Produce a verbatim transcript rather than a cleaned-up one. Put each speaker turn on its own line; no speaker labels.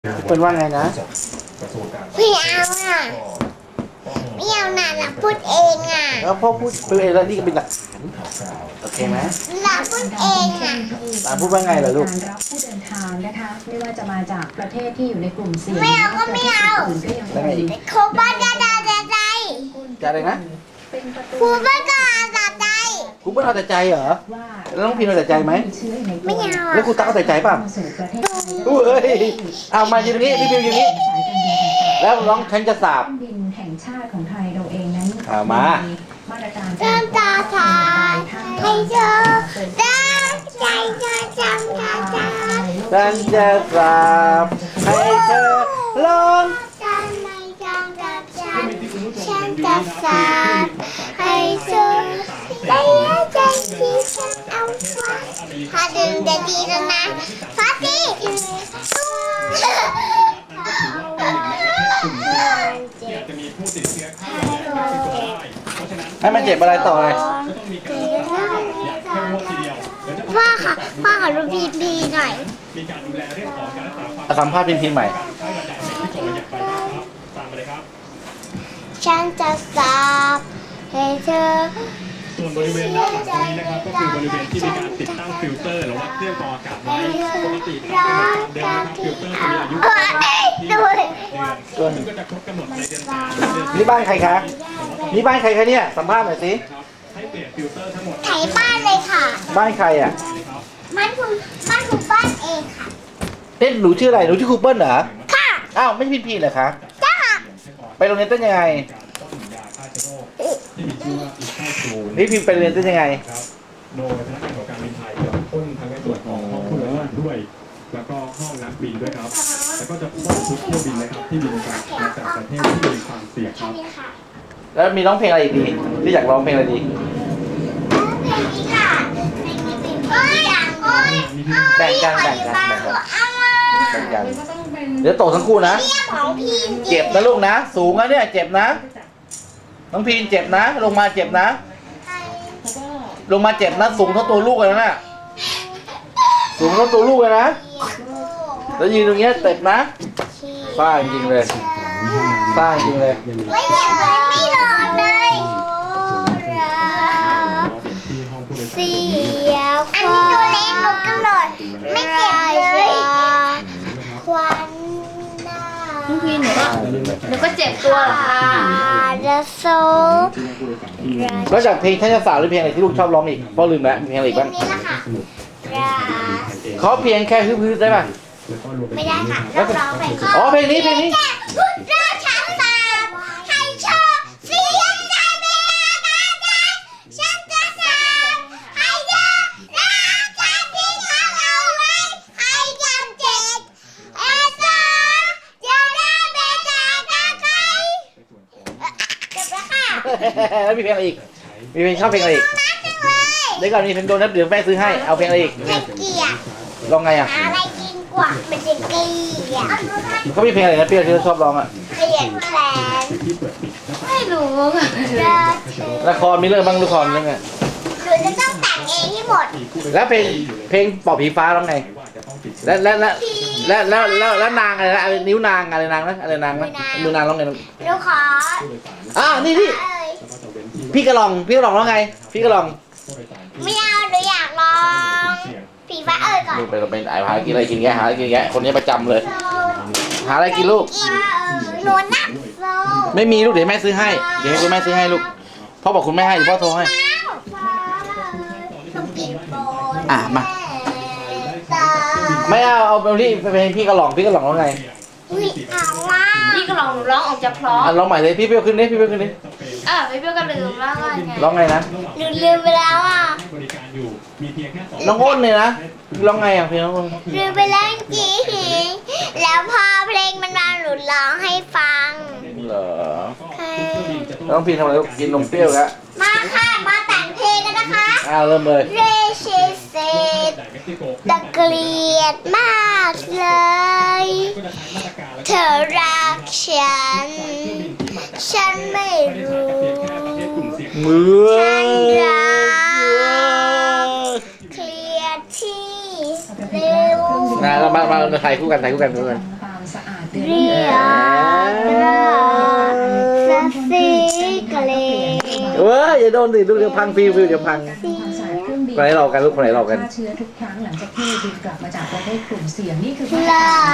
เป็นว่าไงนะ
ไม่เอาอ่ะไม่เอาน่ะเราพูดเองอ่ะ
แล้วพ่อพูดเป็นเองแล้วนี่ก็เป็นหลักฐานโอเคไหม
เราพูดเองอ่ะ
หลานพูดว่าไงเหรอลูก
การรับผู้เดินทางนะคะไม่ว่าจะมาจากประเทศที่อยู่ในกลุ่มเสี่ยง
ไม่เอาก็ไม่เอา
แล้วไงอีก
ครูบ้านจะด่าจะใจ
จะอะไรนะ
ครูบ้านก็ด่าใจ
ครูเปิ้ลเอาแต่ใจเหรอแล้วน้องพิมเอาแต่ใจไหม
ไม่เอา
แล้วครูตั๊กเอาแต่ใจป่ะอู้เอ้ยเอามาอยู่ตรงนี้พี่พิมอยู่นี่แล้วน้องฉันจะสาบ
บินแห่งชาติของไทยเราเองนั้น
เอามา
มาตรการ
จำตาทาให้เธอได้ใจเธอจำตาทา
ฉันจะสาบให้เธอลอง
ฉันไม่จำตาฉันฉันจะสาบให้เธอได้ใจที่ฉันเอาไว้พาดึงจะดีแล้วนะพาดี
ให้มันเจ็บอะไรต่อเลย
พ่อค่ะพ่อขอรูปพีพีหน่อย
สัมภาษณ์พิมพ์ใหม่
ฉันจะสาบให้เธอ
ส่วนบริเวณด้านหลังตรงนี้นะครับก็คือบริเวณที่มีการติดตั้งฟิลเตอร์หรือว่าเครื่องกรองอากาศไว้ปกติตามเดิมนะครับฟิลเตอร์จะมีอายุเดือนซึ่งก็จะครบกำหนดในเดือนสามเดือน
นี่บ้านใครคะนี่บ้านใครคะเนี่ยสัมภาษณ์หน่อยสิ
ให้เปลี่ยนฟิลเตอร์ทั้งหมด
ไถบ้านเลยค่ะ
บ้านใครอ่ะ
บ้านคุณบ้านคุณบ้านเองค่ะ
เต้นหนูชื่ออะไรหนูชื่อครูเปิ้ลเหรอ
ค่ะ
อ้าวไม่ใช่พิมพ์เหรอคะ
จ้าค่ะ
ไปโรงเรียนเต้นยังไงนี่พิมพ์ไปโรงเรียนเต้นยังไง
โดยพนักงานของการบินไทยจะพ่นทั้งในส่วนของห้องผู้โดยสารด้วยแล้วก็ห้องนักบินด้วยครับแล้วก็จะพ่นทุกเที่ยวบินนะครับที่บินจากมาจากประเทศที่มีความเสี่ยงครับ
แล้วมีร้องเพลงอะไรอีกดีที่อยากร้องเพลงอะไรดีแบ่งกันแบ่งกันแบ่งกันแบ่งกันเดี๋ยวตกทั้งคู่นะเจ็บนะลูกนะสูงนะเนี่ยเจ็บนะน้องพีนเจ็บนะลงมาเจ็บนะลงมาเจ็บนะสูงเท่าตัวลูกเลยนะสูงเท่าตัวลูกเลยนะแล้วยืนตรงเงี้ยเจ็บนะฟ้าจริงเลยฟ้าจริงเลย
ไม่เจ็บเลยไม่ร้อนเลยเสียอันนี้ตัวเล็กหนูกระโดดไม่เจ็บเลยควันหน้า
น้องพีนหนูก็หนูก็เจ็บตัวเหรอคะ
จะโซ
แล้วจากเพลงท่านจะสาวหรือเพลงอะไรที่ลูกชอบร้องอีกพ่อลืมแล้วมีเพลงอะไรอีกบ้างเขาเพียงแค่ฮึบๆได้ป่ะ
ไม่ได้ค่ะต้องร้องเพลง
อ๋อเพลงนี้เพลงนี้
ราชาสาวให้โชว์เสียงใจเมียกันฉันจะสาวให้เธอรักกันที่เขาเอาไว้ให้จำเจ็บเอสาจะได้เป็นใจกับใครจบแล้วค่ะ
แล้วมีเพลงอะไรอีกมีเพลงชอบเพลงอะไรอีกเดี๋ยวก่อนมีเพลงโดนัทเดี๋ยวแม่ซื้อให้เอาเพลงอะไรอีก
ให้เกียรติ
ร้องไงอ่ะ
อะไรกินกว่ามันจะเกลียด
เขามีเพลงอะไรนะเปี้ยที่เราชอบร้องอ่ะ
เกลียดแขน
ไม่รู้ค่ะ
ละครมีเรื่องบ้างละครเรื่องไง
หนูจะต้องแต่งเองให้หมด
แล้วเพลงเพลงปอบผีฟ้าร้องไงแล้วแล้วแล้วแล้วแล้วแล้วแล้วนางอะไรนะนิ้วนางอะไรนางนะอะไรนางนะมือนางร้องไง
หนูขอ
อ่านี่นี่พี่กระลองพี่กระลองร้องไงพี่กระลอง
ไม่เอาหนูอยากลองผีฟ้าเอ่ยก่อน
ลูกไปเราเป็นไอ้หากินอะไรกินแกหาอะไรกินแกคนนี้ประจำเลยหาอะไรกินลูก
หนูนับโซ
ไม่มีลูกเดี๋ยวแม่ซื้อให้เดี๋ยวให้คุณแม่ซื้อให้ลูกพ่อบอกคุณแม่ให้เดี๋ยวพ่อโทรให้อ่ะมาไม่เอาเอาเอาที่เพลงพี่กระหล่องพี่กระหล่องร้องไง
พี่ก็ลองหนูร้องออกจะเพราะ
อ่ะร้องใหม่เลยพี่เปี้ยวขึ้นดิพี่เปี้ยวขึ้นดิ
เออพี่เปี้ยวก็ลืมว่าไง
ร้องไงนะ
หนูลืมไปแล้วอ่ะ
น้องอ้นเนี่ยนะร้องไงอ่ะเพลงน้องอ้น
ลืมไปแล้วจริงแล้วพอเพลงมันมาหนูร้องให้ฟัง
เหรอน้องพีทำอะไรลูกกินนมเปรี้ยวแล้ว
มาค่ะมาแต่งเพลงกันนะคะ
อ้าวเริ่มเลย
เรเชเซตตะเกลียดมากเลยเธอรักฉันฉันไม่รู้
เมื่อ
ฉันรักเคลียดที่เร็ว
นะเรามามาถ่ายคู่กันถ่ายคู่กันคู่กัน
ความสะอาดเดือน
เรียกสสีกะเล
เว้ยอย่าโดนสิลูกเดี๋ยวพังฟิวฟิวเดี๋ยวพัง
การทำความสะอาดเครื่องบิน
คนไหนหลอกกันลูกคนไหนหลอกกัน
ฆ่าเชื้อทุกครั้งหลังจากที่บินกลับมาจากประเทศกลุ่มเสี่ยงนี่คือ
ลา